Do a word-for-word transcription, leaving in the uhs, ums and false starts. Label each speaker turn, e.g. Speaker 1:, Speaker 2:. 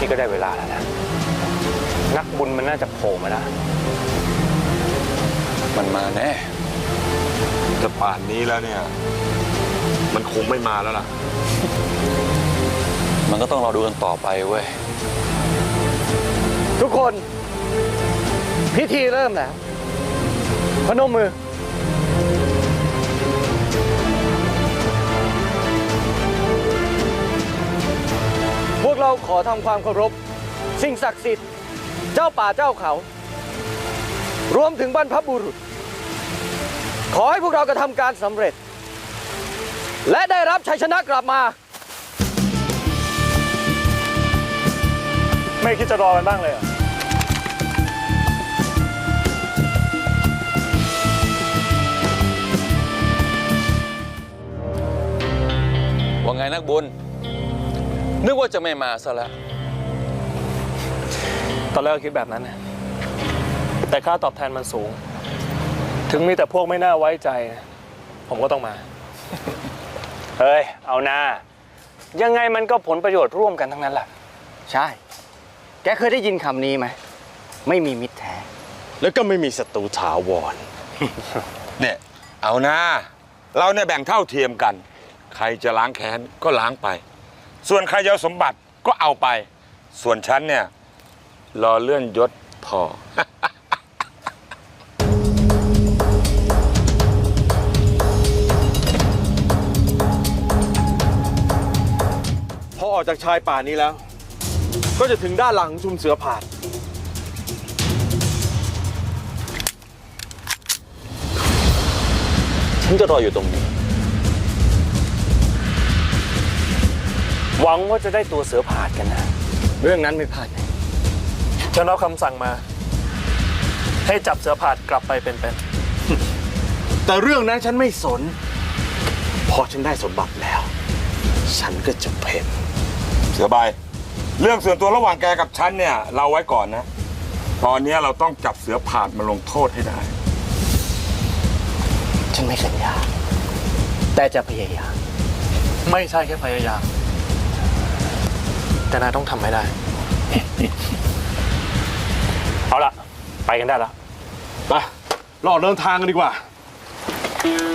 Speaker 1: นี่ก็ได้เวลาแล้วนะนักบุญมันน่าจะโผล่มาแล้ว
Speaker 2: มันมาแน่
Speaker 3: แต่ป่านนี้แล้วเนี่ยมันคงไม่มาแล้วล่ะ
Speaker 2: มันก็ต้องรอดูกันต่อไปเว้ย
Speaker 4: ทุกคนพิธีเริ่มแล้วพนมมือพวกเราขอทำความเคารพสิ่งศักดิ์สิทธิ์เจ้าป่าเจ้าเขารวมถึงบรรพบุรุษขอให้พวกเรากระทำการสำเร็จและได้รับชัยชนะกลับมาไม่คิดจะรอกันบ้างเลยเหรอ
Speaker 2: ว่าไงนักบุญนึกว่าจะไม่มาซะแล้ว
Speaker 4: ตอนแรกคิดแบบนั้นนะแต่ค่าตอบแทนมันสูงถึงมีแต่พวกไม่น่าไว้ใจผมก็ต้องมา
Speaker 1: เฮ้ยเอาหน้ายังไงมันก็ผลประโยชน์ร่วมกันทั้งนั้นแหละ
Speaker 4: ใช่แกเคยได้ยินคำนี้ไหมไม่มีมิตรแท้
Speaker 3: แล้วก็ไม่มีศัตรูถาวร เนี่ยเอาหน้าเราเนี่ยแบ่งเท่าเทียมกันใครจะล้างแค้นก็ล้างไปส่วนใครจะเอาสมบัติก็เอาไปส่วนฉันเนี่ยรอเลื่อนยศพอ
Speaker 5: พอออกจากชายป่านี้แล้วก็จะถึงด้านหลังชุมเสือผาด
Speaker 2: ฉันจะรออยู่ตรงนี้
Speaker 1: หวังว่าจะได้ตัวเสือผาดกันนะ
Speaker 4: เรื่องนั้นไม่พลาดฉันรับคำสั่งมาให้จับเสือผาดกลับไปเป็นๆ
Speaker 5: แต่เรื่องนั้นฉันไม่สนพอฉันได้สมบัติแล้วฉันก็จะเพ่น
Speaker 3: เสือใบเรื่องส่วนตัวระหว่างแกกับฉันเนี่ยเราไว้ก่อนนะตอนนี้เราต้องจับเสือผาดมาลงโทษให้ได้
Speaker 4: ฉันไม่สัญญาแต่จะพยายามไม่ใช่แค่พยายามแต่นายต้องทำให้ได้
Speaker 1: เอาละไปกันได้แล้ว
Speaker 5: ไปรอเดินทางกันดีกว่า